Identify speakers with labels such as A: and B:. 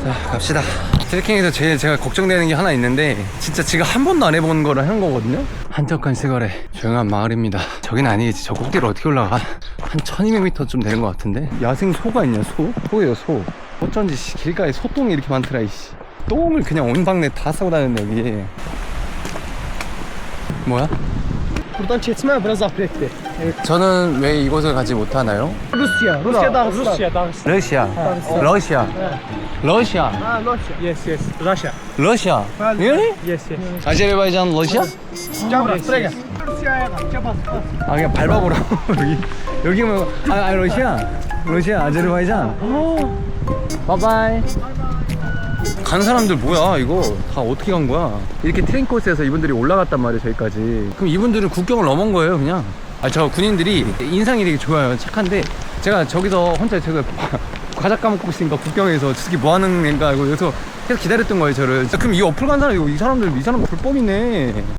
A: 자, 갑시다. 트레킹에서 제일 제가 걱정되는 게 하나 있는데, 진짜 지금 한 번도 안 해본 거를 하는 거거든요. 한적한 시골에 조용한 마을입니다. 저긴 아니겠지. 저 꼭대기를 어떻게 올라가? 한 1200m쯤 되는 것 같은데. 야생 소가 있냐? 소예요, 소. 어쩐지 길가에 소똥이 이렇게 많더라. 이씨, 똥을 그냥 온 방네 다 싸고 다녔네 여기. 뭐야?
B: Buradan çeşme biraz apretti.
A: 저는 왜 이곳을 가지 못하나요?
B: Rusya. Rusya Dağıstan. Rusya Dağıstan.
A: 러시아. 러시아.
B: Ha, Rusya. Yes, yes. Russia.
A: 러시아. Really?
B: Yes, yes.
A: 아제르바이잔 러시아?
B: Gel buraya, buraya gel. Rusya'ya bak, gel bas, bas.
A: 아 그냥 밟아보라고. 여기 뭐 러시아 아제르바이잔. 바이바이. 간 사람들 뭐야 이거 다 어떻게 간 거야? 이렇게 트레인 코스에서 이분들이 올라갔단 말이에요 저기까지. 그럼 이분들은 국경을 넘은 거예요 그냥. 저 군인들이 인상이 되게 좋아요. 착한데 제가 저기서 혼자 제가 과자 까먹고 있으니까 국경에서 저 새끼 뭐 하는 애인가 알고 여기서 계속 기다렸던 거예요 저를. 그럼 이 어플 간 사람 이 사람들 불법이네.